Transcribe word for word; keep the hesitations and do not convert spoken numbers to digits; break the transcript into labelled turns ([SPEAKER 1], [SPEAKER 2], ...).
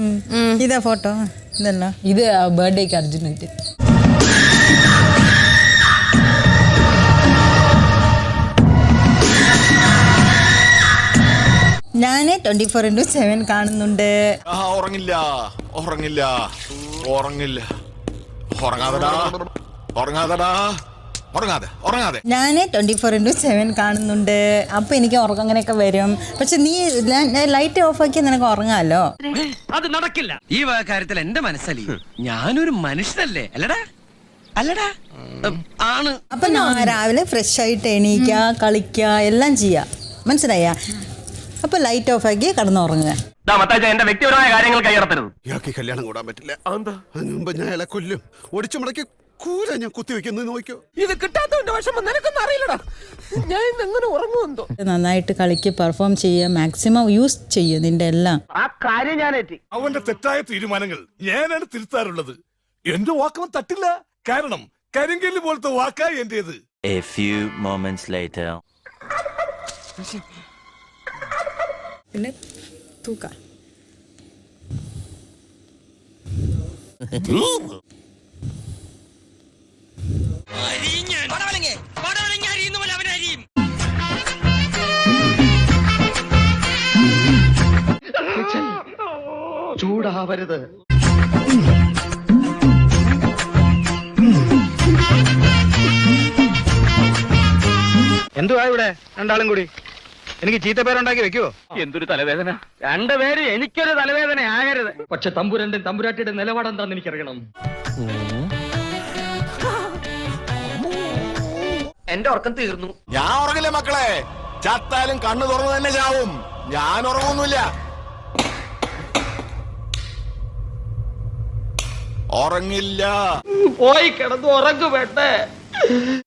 [SPEAKER 1] ഇതാ ഫോട്ടോ ഇതല്ല
[SPEAKER 2] ഇത് ബർത്ത്ഡേക്ക് അർജുൻ ഇട്ട്
[SPEAKER 1] ഞാന് ട്വന്റി ഫോർ ഇന്റു സെവൻ കാണുന്നുണ്ട്.
[SPEAKER 3] ഉറങ്ങില്ല ഉറങ്ങില്ല ഉറങ്ങില്ല ഉറങ്ങാതെടാ ഉറങ്ങാതെടാ ഉറങ്ങാതെ ഉറങ്ങാതെ
[SPEAKER 1] ഞാന് ട്വന്റി ഫോർ ഇന്റു സെവൻ കാണുന്നുണ്ട്. അപ്പൊ എനിക്ക് ഉറക്കം അങ്ങനെയൊക്കെ വരും. പക്ഷെ നീ ലൈറ്റ് ഓഫ് ആക്കി നിനക്ക് ഉറങ്ങാലോ.
[SPEAKER 4] അത് നടക്കില്ല. ഈ കാര്യത്തിൽ എന്റെ മനസ്സലി ഞാനൊരു മനുഷ്യനല്ലേ അല്ലടാ അല്ലടാ ആണ്.
[SPEAKER 1] അപ്പൊ ഞാൻ രാവിലെ ഫ്രഷ് ആയിട്ട് എണീക്ക കളിക്ക എല്ലാം ചെയ്യാ, മനസ്സിലായ? അപ്പൊ ലൈറ്റ് ഓഫ് ആക്കി കിടന്നുറങ്ങുക.
[SPEAKER 4] എന്റെ വ്യക്തിപരമായ കാര്യങ്ങൾ കൈയടത്തരുത്.
[SPEAKER 5] ഇയാൾക്ക് കല്യാണം കൂടാൻ പറ്റില്ല. അതിന് മുമ്പ് ഞാൻ ഇയാളെ കൊല്ലും. ഒടിച്ചു മുടക്കി കൂര ഞാൻ കുത്തിവെക്കുന്നത് നോക്കിയോ.
[SPEAKER 4] ഇത് കിട്ടാത്തവന്റെ വിഷമം നിനക്കൊന്നും അറിയില്ലടാ. ഞാൻ ഇന്ന് എങ്ങനെ ഉറങ്ങുമെന്തോ.
[SPEAKER 1] നന്നായിട്ട് കളിക്ക്, പെർഫോം ചെയ്യുക, മാക്സിമം യൂസ് ചെയ്യും നിന്റെ എല്ലാം.
[SPEAKER 4] ആ കാര്യം ഞാൻ ഏറ്റി.
[SPEAKER 3] അവന്റെ തെറ്റായ തീരുമാനങ്ങൾ ഞാനാണ് തിരുത്താറുള്ളത്. എന്റെ വാക്കവൻ തട്ടില്ല. കാരണം കരിങ്കല്ല് പോലത്തെ വാക്കാ എന്റേത്.
[SPEAKER 6] A few moments later.
[SPEAKER 2] പിന്നെ തൂക്ക
[SPEAKER 4] ചൂടാവരുത്.
[SPEAKER 7] എന്തുവാ ഇവിടെ രണ്ടാളും കൂടി? എനിക്ക് ചീത്തപ്പേരുണ്ടാക്കി വെക്കുവോ?
[SPEAKER 4] എന്തൊരു തലവേദന. രണ്ടുപേര് എനിക്കൊരു തലവേദന ആകരുത്. പക്ഷെ തമ്പുരന്റെ തമ്പുരാട്ടിയുടെ നിലപാടെന്താന്ന് എനിക്കറിയണം. എന്റെ ഉറക്കം തീർന്നു.
[SPEAKER 3] ഞാൻ ഉറങ്ങില്ല മക്കളെ. ചത്താലും കണ്ണു തുറന്നു തന്നെ ചാവും. ഞാൻ ഉറങ്ങൊന്നുമില്ല. ഉറങ്ങില്ല.
[SPEAKER 4] പോയി കിടന്നു ഉറങ്ങു വേണ്ടേ.